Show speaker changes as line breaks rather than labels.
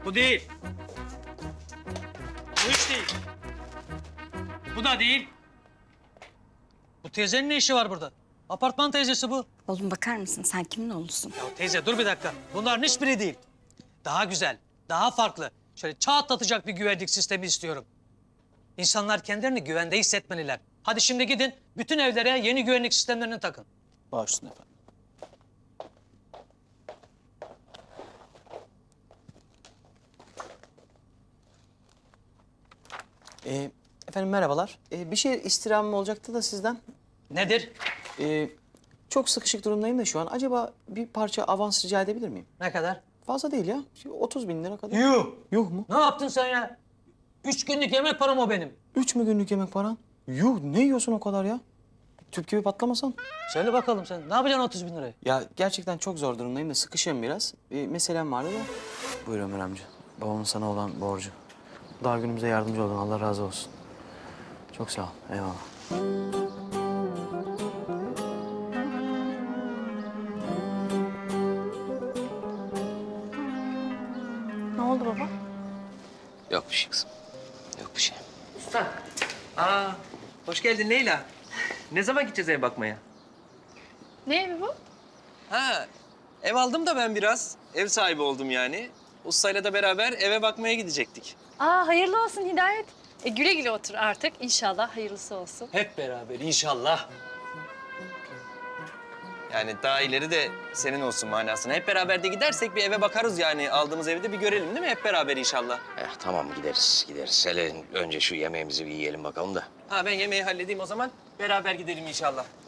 Bu değil. Bu hiç değil. Bu da değil. Bu teyzenin ne işi var burada? Apartman teyzesi bu.
Oğlum bakar mısın? Sen kimin oğlusun?
Ya teyze dur bir dakika. Bunların hiçbiri değil. Daha güzel, daha farklı. Şöyle çağ atlatacak bir güvenlik sistemi istiyorum. İnsanlar kendilerini güvende hissetmeliler. Hadi şimdi gidin, bütün evlere yeni güvenlik sistemlerini takın.
Baş üstüne efendim. Efendim merhabalar. Bir şey istirhamım olacaktı da sizden.
Nedir?
Çok sıkışık durumdayım da şu an. Acaba bir parça avans rica edebilir miyim?
Ne kadar?
Fazla değil ya. 30 bin lira kadar.
Yuh!
Yuh mu?
Ne yaptın sen ya? 3 günlük yemek param o benim.
3 mü günlük yemek paran? Yuh, ne yiyorsun o kadar ya? Tüp gibi patlamasan.
Söyle bakalım sen, ne yapacaksın 30 bin lirayı?
Ya gerçekten çok zor durumdayım da sıkışığım biraz. Bir meselem vardı da. Buyur Ömer amca. Babamın sana olan borcu. Daha günümüze yardımcı oldun. Allah razı olsun. Çok sağ ol. Eyvallah.
Ne oldu baba?
Yok bir şey kızım. Yok bir şey.
Usta. Aa, hoş geldin Leyla. Ne zaman gideceğiz eve bakmaya?
Ne evi bu?
Ha, ev aldım da ben biraz. Ev sahibi oldum yani. Ustayla da beraber eve bakmaya gidecektik.
Aa hayırlı olsun Hidayet. Güle güle otur artık. İnşallah hayırlısı olsun.
Hep beraber inşallah.
Yani daha ileri de senin olsun manasına. Hep beraber de gidersek bir eve bakarız yani. Aldığımız evi de bir görelim değil mi? Hep beraber inşallah.
Tamam gideriz. Hele önce şu yemeğimizi bir yiyelim bakalım da.
Ha ben yemeği halledeyim o zaman. Beraber gidelim inşallah.